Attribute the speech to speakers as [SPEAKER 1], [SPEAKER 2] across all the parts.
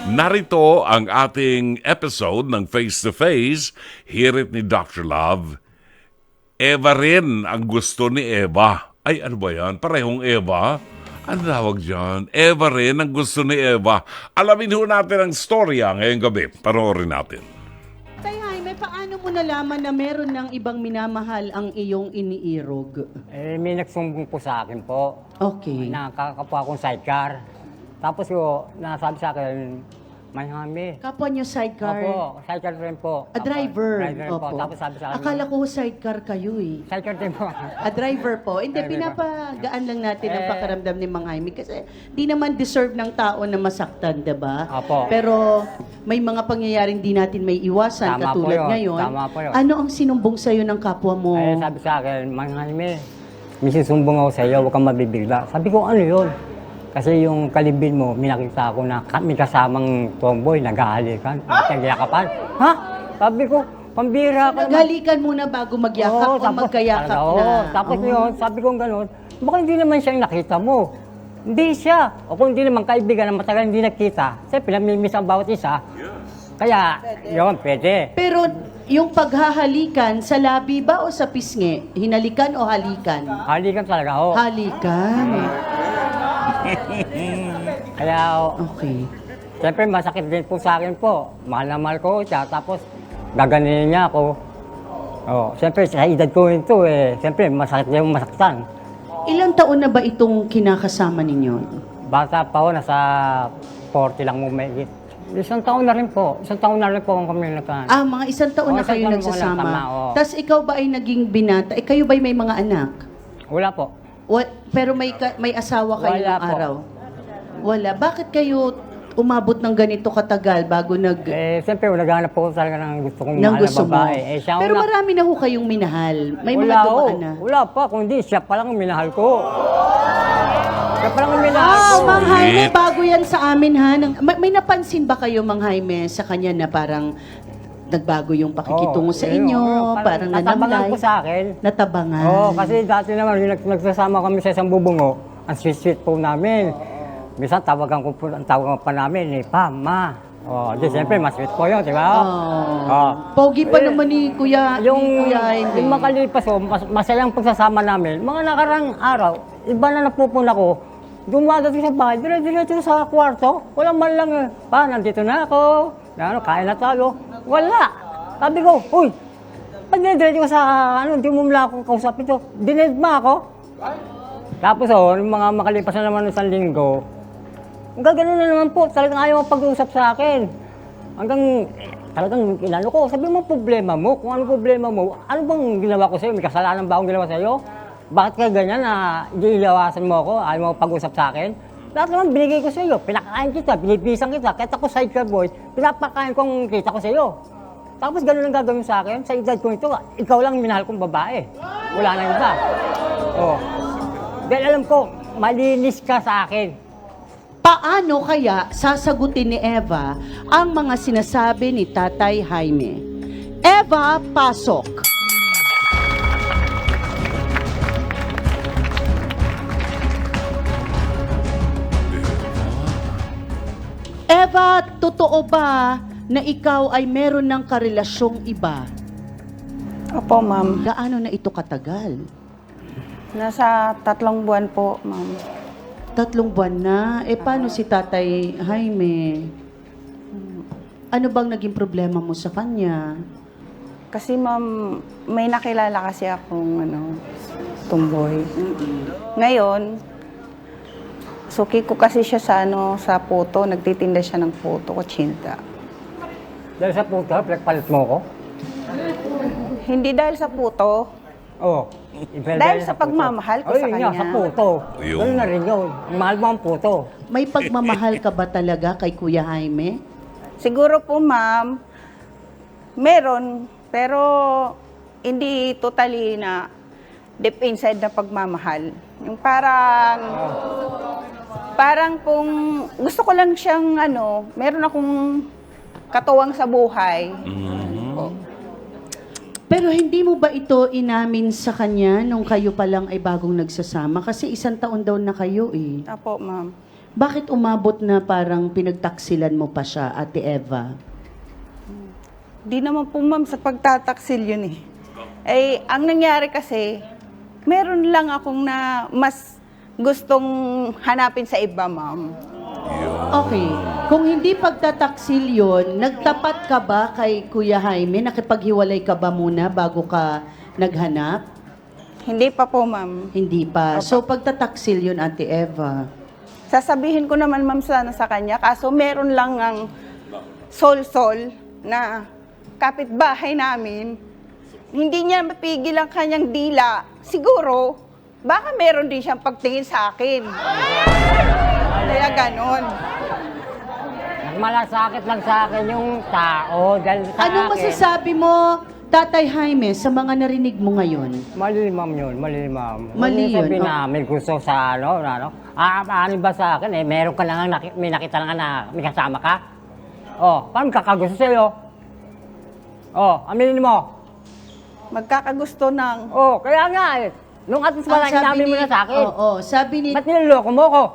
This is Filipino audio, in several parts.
[SPEAKER 1] Narito ang ating episode ng Face to Face. Hirit ni Dr. Love. Eva rin ang gusto ni Eva. Ay, ano ba yan? Parehong Eva? Ano tawag dyan? Eva rin ang gusto ni Eva. Alamin ho natin ang storya ngayong gabi. Panoorin natin.
[SPEAKER 2] Tay Jaime, paano mo nalaman na meron ng ibang minamahal ang iyong iniirog?
[SPEAKER 3] May nagsumbong po sa akin po.
[SPEAKER 2] Okay.
[SPEAKER 3] Nakakapwa akong sidecar. Tapos nasabi sa akin, May Jaime.
[SPEAKER 2] Kapwa niyo sidecar?
[SPEAKER 3] Opo, sidecar rin po.
[SPEAKER 2] A driver?
[SPEAKER 3] Driver po.
[SPEAKER 2] Opo.
[SPEAKER 3] Tapos sabi sa akin,
[SPEAKER 2] Akala ko sidecar kayo eh.
[SPEAKER 3] sidecar din po.
[SPEAKER 2] A driver po. Hindi,
[SPEAKER 3] Driver po.
[SPEAKER 2] pinapagaan lang natin ang pakiramdam ni Mang Jaime kasi di naman deserve ng tao na masaktan, diba?
[SPEAKER 3] Opo.
[SPEAKER 2] Pero may mga pangyayaring di natin may iwasan
[SPEAKER 3] Tama po
[SPEAKER 2] katulad
[SPEAKER 3] yun.
[SPEAKER 2] ngayon.
[SPEAKER 3] Tama po yun.
[SPEAKER 2] Ano ang sinumbong sa'yo ng kapwa mo?
[SPEAKER 3] Sabi sa akin, May Jaime, may susumbong ako sa iyo, huwag kang mabibigla. Sabi ko, ano yun? Kasi yung kalibin mo, minakita ko na may kasamang tomboy, nag-aalikan, nag-yakapan. Ha? Sabi ko, pambira ka naman.
[SPEAKER 2] Naghalikan muna bago magyakap o magkayakap na?
[SPEAKER 3] Tapos yun, sabi ko gano'n, baka hindi naman siya yung nakita mo. Hindi siya. O kung hindi naman kaibigan na matagal hindi nakita, siyempre namimiss ang bawat isa. Kaya, yun, pwede.
[SPEAKER 2] Pero yung paghahalikan, sa labi ba o sa pisngi? Hinalikan o halikan?
[SPEAKER 3] Halikan talaga ako.
[SPEAKER 2] Halikan.
[SPEAKER 3] Kaya,
[SPEAKER 2] Okay.
[SPEAKER 3] siyempre masakit din po sa akin po. Mahal na mahal ko siya, tapos gaganinin niya ako. Siyempre sa edad ko ito siyempre masakit din yung masaktan.
[SPEAKER 2] Ilang taon na ba itong kinakasama ninyo?
[SPEAKER 3] Bata pa ako, nasa 40 lang mo may Isang taon na rin po. Isang taon na rin po kami nagkaan.
[SPEAKER 2] Mga isang taon na
[SPEAKER 3] Isang
[SPEAKER 2] kayo
[SPEAKER 3] taon
[SPEAKER 2] nagsasama.
[SPEAKER 3] mo lang,
[SPEAKER 2] Tapos ikaw ba ay naging binata? Kayo ba ay may mga anak?
[SPEAKER 3] Wala po.
[SPEAKER 2] Pero may asawa kayo
[SPEAKER 3] Wala
[SPEAKER 2] ng
[SPEAKER 3] po.
[SPEAKER 2] araw? Wala. Bakit kayo umabot ng ganito katagal bago
[SPEAKER 3] Siyempre, naghahanap po talaga ng gusto kong
[SPEAKER 2] ng
[SPEAKER 3] mahal
[SPEAKER 2] gusto
[SPEAKER 3] na
[SPEAKER 2] mo?
[SPEAKER 3] babae. Siya
[SPEAKER 2] Pero
[SPEAKER 3] una-
[SPEAKER 2] marami na ho kayong minahal. May mga
[SPEAKER 3] Wala
[SPEAKER 2] dumaan
[SPEAKER 3] ho.
[SPEAKER 2] na.
[SPEAKER 3] Wala pa, kundi siya pa lang ang minahal ko. Siya pa lang ang minahal ko.
[SPEAKER 2] Mang Jaime,
[SPEAKER 1] Sweet.
[SPEAKER 2] bago yan sa amin ha. May napansin ba kayo, Mang Jaime, sa kanya na parang nagbago yung pakikitungo sa inyo? Parang
[SPEAKER 3] natabangan
[SPEAKER 2] nanamlay?
[SPEAKER 3] po sa akin.
[SPEAKER 2] Natabangan?
[SPEAKER 3] Kasi dati naman, yung nagsasama kami sa isang bubungo, ang sweet-sweet po namin. Minsan, tawagan pa namin, Pa, Ma. Siyempre, mas sweet po yun, di ba?
[SPEAKER 2] Pogi pa naman ni Kuya
[SPEAKER 3] Yung
[SPEAKER 2] Jaime.
[SPEAKER 3] makalipas masayang pagsasama namin, mga nakarang araw, iba na napupuna ko, dumadating sa bahay, dire-diretso sa kwarto, wala man lang, Pa, nandito na ako, kain na tayo. Wala. Sabi ko, uy, pag dire-diretso ka sa, hindi mo mula ako kausapin to, dined mo ako. Tapos yung mga makalipas na naman ng isang linggo, gano'n na naman po, talagang ayaw pag-uusap sa akin. Hanggang talagang inano ko, sabi mo problema mo, kung ano problema mo, ano bang ginawa ko sa'yo? May kasalanan ba akong ginawa sa'yo? Bakit ka ganyan na iilawasan mo ako, ayaw mo pag-usap sa akin? Lahat naman binigay ko sa'yo, pinakain kita, binibisan kita, kahit ako sidecar boy, pinapakain ko ang kita ko sa'yo. Tapos gano'n ang gagawin sa akin, sa edad ko ito, ikaw lang minahal kong babae. Wala na iba. Dahil alam ko, malinis ka sa akin.
[SPEAKER 2] Paano kaya sasagutin ni Eva ang mga sinasabi ni Tatay Jaime? Eva, pasok. Eva, totoo ba na ikaw ay meron ng karelasyong iba?
[SPEAKER 4] Opo, ma'am.
[SPEAKER 2] Gaano na ito katagal?
[SPEAKER 4] Nasa 3 buwan po, ma'am.
[SPEAKER 2] 3 buwan na. Paano si Tatay Jaime? Ano bang naging problema mo sa kanya?
[SPEAKER 4] Kasi, ma'am, may nakilala kasi akong, tumboy. Ngayon, suki ko kasi siya sa, sa puto. Nagtitinda siya ng puto, kutsinta.
[SPEAKER 3] Dahil sa puto, pinagpalit mo ko?
[SPEAKER 4] Hindi dahil sa puto,
[SPEAKER 3] Dahil
[SPEAKER 4] sa pagmamahal ko sa kanya.
[SPEAKER 3] Sa puto.
[SPEAKER 1] Ayun.
[SPEAKER 3] Ganun na rin yun. Mahal mo ang puto.
[SPEAKER 2] May pagmamahal ka ba talaga kay Kuya Jaime?
[SPEAKER 4] Siguro po, ma'am, meron, pero hindi totally na deep inside na pagmamahal. Yung parang kung gusto ko lang siyang meron akong katuwang sa buhay.
[SPEAKER 2] Pero hindi mo ba ito inamin sa kanya nung kayo pa lang ay bagong nagsasama? Kasi 1 taon daw na kayo eh.
[SPEAKER 4] Apo, ma'am.
[SPEAKER 2] Bakit umabot na parang pinagtaksilan mo pa siya, Ate Eva?
[SPEAKER 4] Di naman po ma'am sa pagtataksil yun eh. Eh, ang nangyari kasi, meron lang akong na mas gustong hanapin sa iba, ma'am.
[SPEAKER 2] Okay. Kung hindi pagtataksil yun, nagtapat ka ba kay Kuya Jaime? Nakipaghiwalay ka ba muna bago ka naghanap?
[SPEAKER 4] Hindi pa po, ma'am.
[SPEAKER 2] Hindi pa. So, pagtataksil yun, Ate Eva.
[SPEAKER 4] Sasabihin ko naman, ma'am, sana sa kanya, kaso meron lang ang sol-sol na kapitbahay namin. Hindi niya mapigil ang kanyang dila. Siguro, baka meron din siyang pagtingin sa akin. Kaya ganon.
[SPEAKER 3] Malasakit lang sa akin yung tao dahil sa
[SPEAKER 2] Anong
[SPEAKER 3] akin.
[SPEAKER 2] masasabi mo, Tatay Jaime, sa mga narinig mo ngayon?
[SPEAKER 3] Mali, ma'am yun. Mali, ma'am.
[SPEAKER 2] Mali yun,
[SPEAKER 3] Sabi
[SPEAKER 2] oh.
[SPEAKER 3] namin gusto sa ano ba sa akin eh, meron ka lang, may nakita lang na may kasama ka? Oh, paano kakagusto sa'yo? Oh, aminin mo.
[SPEAKER 4] Magkakagusto ng...
[SPEAKER 3] Oh, kaya nga eh. Nung at least wala sinabi mo na sa akin.
[SPEAKER 2] Oo, sabi ni...
[SPEAKER 3] Ba't niloloko mo ko?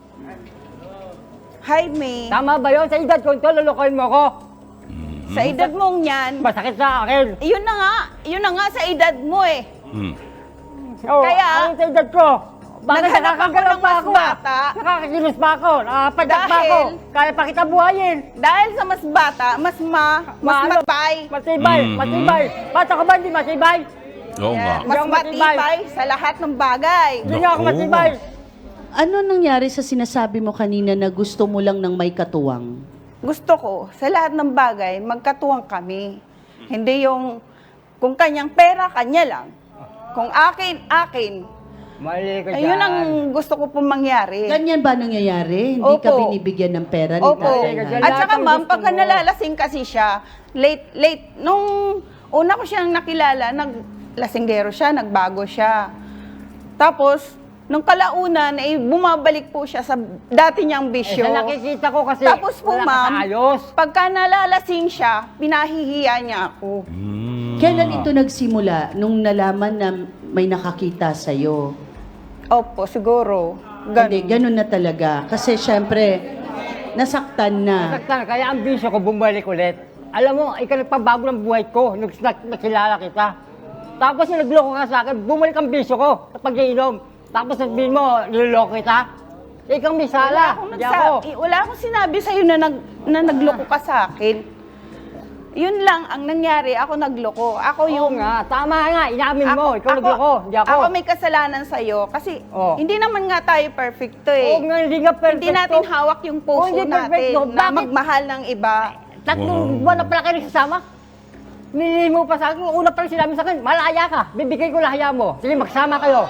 [SPEAKER 4] Jaime,
[SPEAKER 3] Tama ba yun? Sa edad ko ito, lolokohin mo ko.
[SPEAKER 4] sa edad mong yan,
[SPEAKER 3] Masakit sa akin.
[SPEAKER 4] yun na nga sa edad mo eh.
[SPEAKER 3] Oh,
[SPEAKER 4] Kaya,
[SPEAKER 3] ano sa edad ko? Bakit
[SPEAKER 4] naghanap ako
[SPEAKER 3] nakakagalaw
[SPEAKER 4] ng
[SPEAKER 3] pa
[SPEAKER 4] mas
[SPEAKER 3] ako
[SPEAKER 4] bata.
[SPEAKER 3] Nakakakilos pa ako, nakapadyak pa
[SPEAKER 4] Dahil-
[SPEAKER 3] ako. Kaya pa kita buhayin.
[SPEAKER 4] Dahil sa mas bata, mas
[SPEAKER 3] Maano?
[SPEAKER 4] matibay.
[SPEAKER 3] Matibay, matibay. Bata ka ba hindi matibay?
[SPEAKER 1] Oo nga.
[SPEAKER 4] Mas
[SPEAKER 3] Hindi ako matibay.
[SPEAKER 4] matibay sa lahat ng bagay.
[SPEAKER 3] Hindi nga ako
[SPEAKER 1] Naku.
[SPEAKER 3] matibay.
[SPEAKER 2] Ano nangyari sa sinasabi mo kanina na gusto mo lang ng may katuwang?
[SPEAKER 4] Gusto ko, sa lahat ng bagay, magkatuwang kami. Hindi yung, kung kanyang pera, kanya lang. Kung akin, akin.
[SPEAKER 3] Mali ka dyan.
[SPEAKER 4] Ayun ang gusto ko pong mangyari.
[SPEAKER 2] Ganyan ba nangyayari? Hindi ka
[SPEAKER 4] Opo.
[SPEAKER 2] binibigyan ng pera ni
[SPEAKER 4] Opo.
[SPEAKER 2] Tatay
[SPEAKER 3] Kasi
[SPEAKER 2] Jaime?
[SPEAKER 4] At saka
[SPEAKER 3] lahat ng
[SPEAKER 4] ma'am,
[SPEAKER 3] gusto
[SPEAKER 4] pagka
[SPEAKER 3] mo.
[SPEAKER 4] nalalasing kasi siya, late, nung una ko siyang nakilala, naglasinggero siya, nagbago siya. Tapos, nung kalaunan, eh, bumabalik po siya sa dati niyang bisyo.
[SPEAKER 3] Sa nakikita ko kasi
[SPEAKER 4] Tapos po,
[SPEAKER 3] wala ka
[SPEAKER 4] ma'am,
[SPEAKER 3] sa ayos.
[SPEAKER 4] pagka nalalasing siya, pinahihiya niya ako.
[SPEAKER 2] Kailan ito nagsimula? Nung nalaman na may nakakita sa'yo?
[SPEAKER 4] Opo, siguro.
[SPEAKER 2] Hindi, ganun na talaga. Kasi syempre, nasaktan na.
[SPEAKER 3] Saktan, kaya ang bisyo ko bumalik ulit. Alam mo, ikaw nagpabago ng buhay ko nung nakilala kita. Tapos yung nagloko ka sa akin, bumalik ang bisyo ko sa pag-iinom. Tapos sabihin mo, niloloko kita. Ikaw may sala. Hindi ako.
[SPEAKER 4] Wala akong sinabi sa'yo na nagloko ka sa akin. Yun lang ang nangyari, ako nagloko. Ako
[SPEAKER 3] Oo
[SPEAKER 4] yung...
[SPEAKER 3] nga, tama nga, inamin mo. Ikaw nagloko, hindi ako.
[SPEAKER 4] Ako may kasalanan sa'yo kasi
[SPEAKER 3] Oh.
[SPEAKER 4] hindi naman nga tayo perfecto eh.
[SPEAKER 3] Oo nga, hindi nga perfecto.
[SPEAKER 4] Hindi natin hawak yung
[SPEAKER 3] Oo,
[SPEAKER 4] puso
[SPEAKER 3] hindi
[SPEAKER 4] natin
[SPEAKER 3] perfecto.
[SPEAKER 4] na
[SPEAKER 3] Bakit?
[SPEAKER 4] magmahal ng iba.
[SPEAKER 3] Tatlong buwan na pala kayo nagsasama. Nilili mo pa sa akin, una pa rin sinabi sa akin, malaya ka, bibigay ko lahaya mo. Sige, magsama kayo.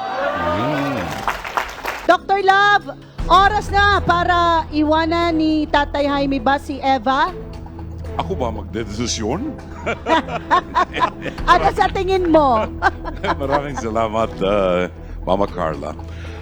[SPEAKER 2] Dr. Love, oras na para iwanan ni Tatay Jaime ba si Eva?
[SPEAKER 1] Ako ba magdedesisyon?
[SPEAKER 2] Ano sa tingin mo?
[SPEAKER 1] Maraming salamat, Mama Carla.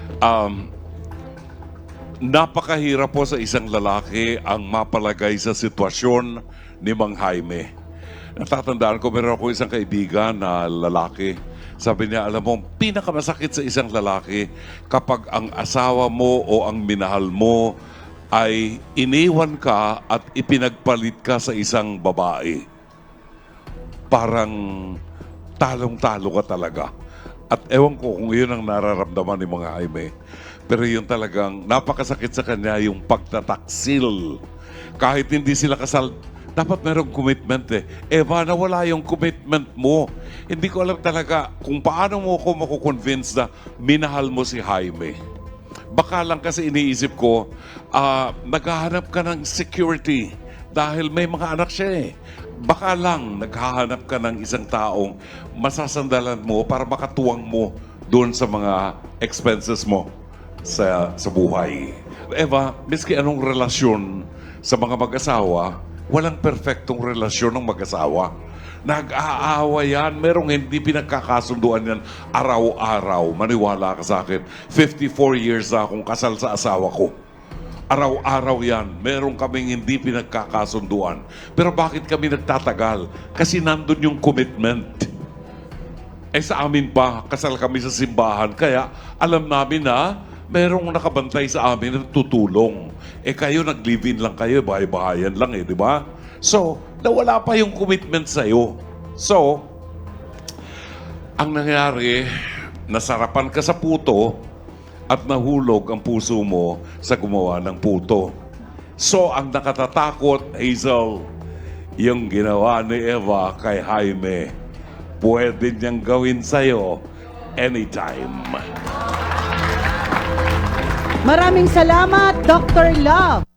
[SPEAKER 1] Napakahirap po sa isang lalaki ang mapalagay sa sitwasyon ni Mang Jaime. Natatandaan ko, meron ako isang kaibigan na lalaki. Sabi niya, alam mo, pinakamasakit sa isang lalaki kapag ang asawa mo o ang minahal mo ay iniwan ka at ipinagpalit ka sa isang babae. Parang talong-talo ka talaga. At ewan ko kung yun ang nararamdaman ni Mang Jaime. Pero yun talagang napakasakit sa kanya yung pagtataksil. Kahit hindi sila kasal, dapat merong commitment eh. Eva, nawala yung commitment mo. Hindi ko alam talaga kung paano mo ako makukonvince na minahal mo si Jaime. Baka lang kasi iniisip ko, naghahanap ka ng security dahil may mga anak siya eh. Baka lang naghahanap ka ng isang taong masasandalan mo para makatuwang mo doon sa mga expenses mo sa buhay. Eva, miski anong relasyon sa mga mag-asawa, walang perfectong relasyon ng mag-asawa. Nag-aawa yan. Merong hindi pinagkakasunduan yan araw-araw. Maniwala ka sa akin. 54 years na akong kasal sa asawa ko. Araw-araw yan. Meron kaming hindi pinagkakasunduan. Pero bakit kami nagtatagal? Kasi nandun yung commitment. Eh sa amin pa, kasal kami sa simbahan. Kaya alam namin na merong nakabantay sa amin na tutulong. Eh kayo, nag-live-in lang kayo, bahay-bahayan lang eh, di ba? So, nawala pa yung commitment sa'yo. So, ang nangyari, nasarapan ka sa puto at nahulog ang puso mo sa gumawa ng puto. So, ang nakatatakot, Hazel, yung ginawa ni Eva kay Jaime, pwede niyang gawin sa'yo anytime.
[SPEAKER 2] Maraming salamat, Dr. Love.